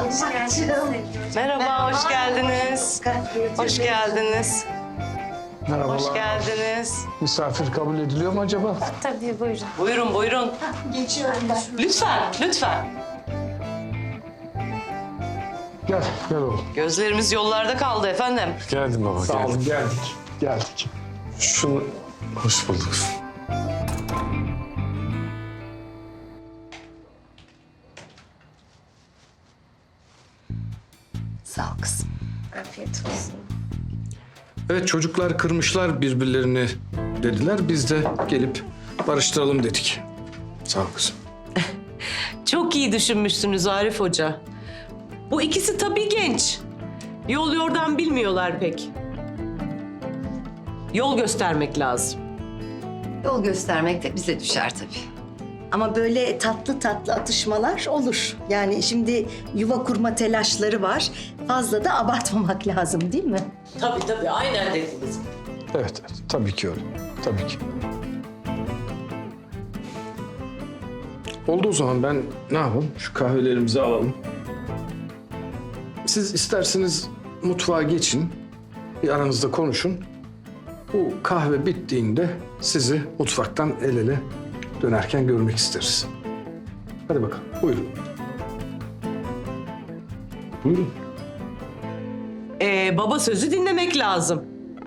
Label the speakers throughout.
Speaker 1: Merhaba, hoş geldiniz. Hoş geldiniz.
Speaker 2: Merhabalar.
Speaker 1: Hoş geldiniz.
Speaker 2: Misafir kabul ediliyor mu acaba?
Speaker 3: Tabii buyurun.
Speaker 1: Buyurun, buyurun.
Speaker 3: Geçiyorum ben.
Speaker 1: Lütfen, lütfen.
Speaker 2: Gel, gel oğlum.
Speaker 1: Gözlerimiz yollarda kaldı efendim.
Speaker 4: Geldim baba,
Speaker 2: Sağ
Speaker 4: geldim.
Speaker 2: olun, geldik. Geldik.
Speaker 4: Şunu... Hoş bulduk.
Speaker 3: Sağ ol kızım. Afiyet olsun.
Speaker 2: Evet, çocuklar kırmışlar birbirlerini dediler. Biz de gelip barıştıralım dedik. Sağ ol kızım.
Speaker 1: Çok iyi düşünmüşsünüz Arif Hoca. Bu ikisi tabii genç. Yol yordan bilmiyorlar pek. Yol göstermek lazım.
Speaker 5: Yol göstermek de bize düşer tabii.
Speaker 6: Ama böyle tatlı tatlı atışmalar olur. Yani şimdi yuva kurma telaşları var. Fazla da abartmamak lazım değil mi?
Speaker 1: Tabii, aynen dediniz.
Speaker 2: Evet, evet. Tabii ki öyle. Tabii ki. Oldu o zaman ben ne yapalım? Şu kahvelerimizi alalım. Siz isterseniz mutfağa geçin. Bir aranızda konuşun. Bu kahve bittiğinde sizi mutfaktan el ele dönerken görmek isteriz. Hadi bakalım. Buyurun. Buyurun.
Speaker 1: Baba sözü dinlemek lazım.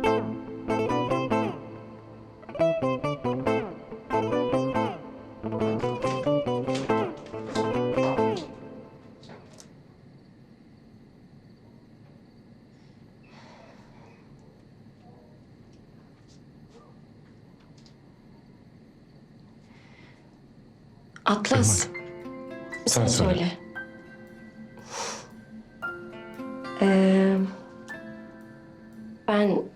Speaker 3: Atlas.
Speaker 4: Sen söyle.
Speaker 3: Ben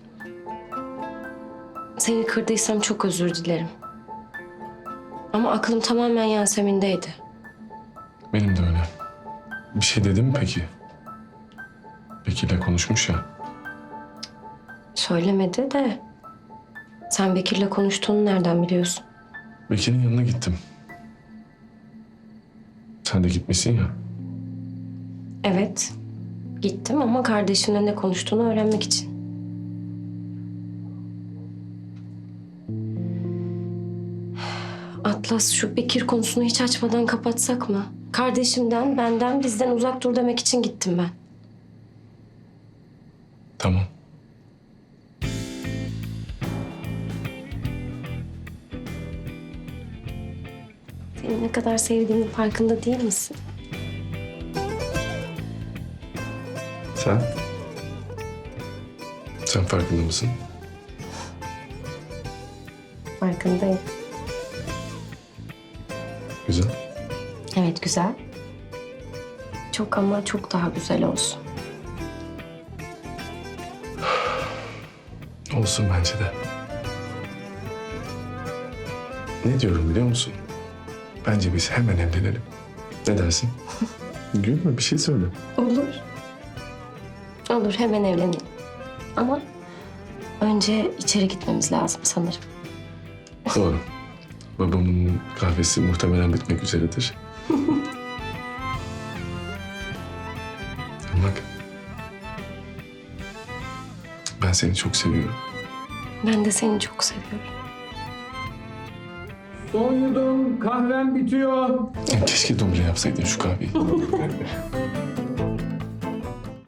Speaker 3: seni kırdıysam çok özür dilerim. Ama aklım tamamen Yasemin'deydi.
Speaker 4: Benim de öyle. Bir şey dedim mi peki? Bekir'le konuşmuş ya.
Speaker 3: Söylemedi de sen Bekir'le konuştuğunu nereden biliyorsun?
Speaker 4: Bekir'in yanına gittim. Sen de gitmişsin ya.
Speaker 3: Evet. Gittim ama kardeşimle ne konuştuğunu öğrenmek için. Atlas, şu Bekir konusunu hiç açmadan kapatsak mı? Kardeşimden, benden, bizden uzak dur demek için gittim ben.
Speaker 4: Tamam.
Speaker 3: Seni ne kadar sevdiğimin farkında değil misin?
Speaker 4: Sen? Sen farkında mısın?
Speaker 3: Farkındayım.
Speaker 4: Güzel.
Speaker 3: Evet, güzel. Çok ama çok daha güzel olsun.
Speaker 4: Olsun bence de. Ne diyorum biliyor musun? Bence biz hemen evlenelim. Ne dersin? Gülme, bir şey söyle.
Speaker 3: Olur. Olur, hemen evlenelim. Ama önce içeri gitmemiz lazım sanırım.
Speaker 4: Doğru. Babamın kahvesi muhtemelen bitmek üzeredir. Bak. Ben seni çok seviyorum.
Speaker 3: Ben de seni çok seviyorum.
Speaker 2: Son yudum kahvem bitiyor.
Speaker 4: Keşke duble yapsaydın şu kahveyi.